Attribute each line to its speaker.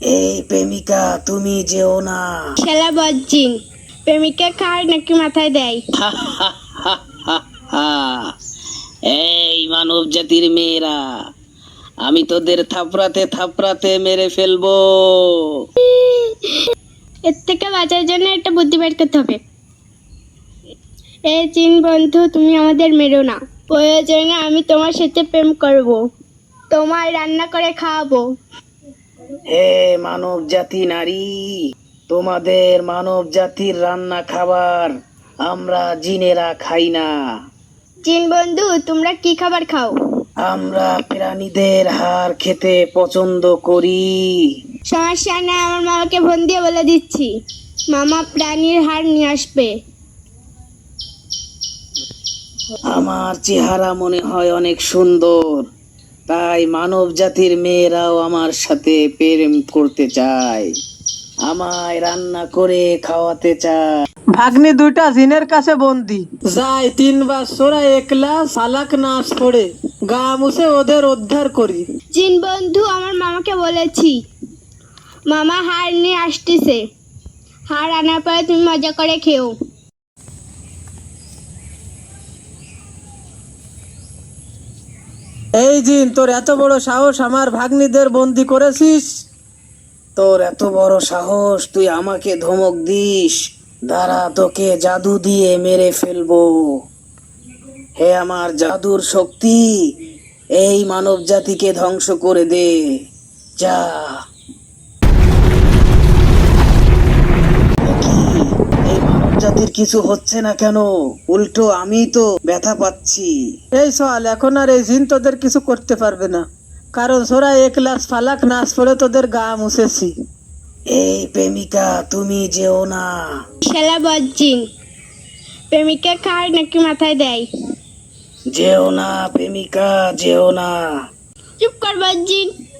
Speaker 1: এই প্রেমিকা তুমি যেও না।
Speaker 2: শালা বজ্জিন, প্রেমিকা খায় নাকি মাথায় দেয়?
Speaker 1: এই মানব জাতির মেয়েরা, আমি তোদের থাপড়াতে থাপড়াতে মেরে ফেলবো।
Speaker 2: এর থেকে বাঁচার জন্য একটা বুদ্ধি বের করতে হবে। এই চিন বন্ধু, তুমি আমাদের মেরো না। প্রয়োজনে আমি তোমার সাথে প্রেম করব, তোমায় রান্না করে খাওয়াবো।
Speaker 1: হে মানব জাতি নারী, তোমাদের মানব জাতির রান্না খাবার আমরা জিনেরা খাই না।
Speaker 2: চিন বন্ধু, তোমরা কি খাবার খাও?
Speaker 1: আমরা প্রাণীদের হাড় খেতে পছন্দ করি।
Speaker 2: সমস্যা নেই, আমার মামাকে ফোন দিয়ে বলে দিচ্ছি, মামা প্রাণীর হাড় নিয়ে আসবে।
Speaker 1: আমার চেহারা মনে হয় অনেক সুন্দর, তাই মানব জাতির মেয়েরাও আমার সাথে প্রেম করতে চায়, আমায় রান্না করে খাওয়াতে চায়।
Speaker 3: ভাগ্নি দুইটা জিনের কাছে বন্দি।
Speaker 4: যাই 3 বার সোরা একলা সালাক নাচ পড়ে গা মুছে ওদের উদ্ধার করি।
Speaker 2: চিন বন্ধু, আমার মামাকে বলেছি, মামা হাড় নিয়ে আসতেছে, হাড় আনার পরে তুমি মজা করে খেও।
Speaker 4: এই জিন, তোর এত বড় সাহস আমার ভাগ্নিদের বন্দি করেছিস?
Speaker 1: তোর এত বড় সাহস, তুই আমাকে ধমক দিস? দাঁড়া, তোকে জাদু দিয়ে মেরে ফেলবো। হে আমার জাদুর শক্তি, এই মানব জাতিকে ধ্বংস করে দে, যা। কি, এই মানব জাতির কিছু হচ্ছে না কেন? উল্টো আমি তো ব্যথা পাচ্ছি।
Speaker 4: এই সওয়াল, এখন আর এই জিন তোদের কিছু করতে পারবে না, কারণ সোরা একলাস ফালাক নাচ পড়ে তোদের গা মুছেছি।
Speaker 1: এই প্রেমিকা তুমি যেও না।
Speaker 2: শালা বজ্জিন, প্রেমিকা খায় নাকি মাথায় দেয়?
Speaker 1: যেও না প্রেমিকা, যেও না।
Speaker 2: চুপ কর বজ্জিন।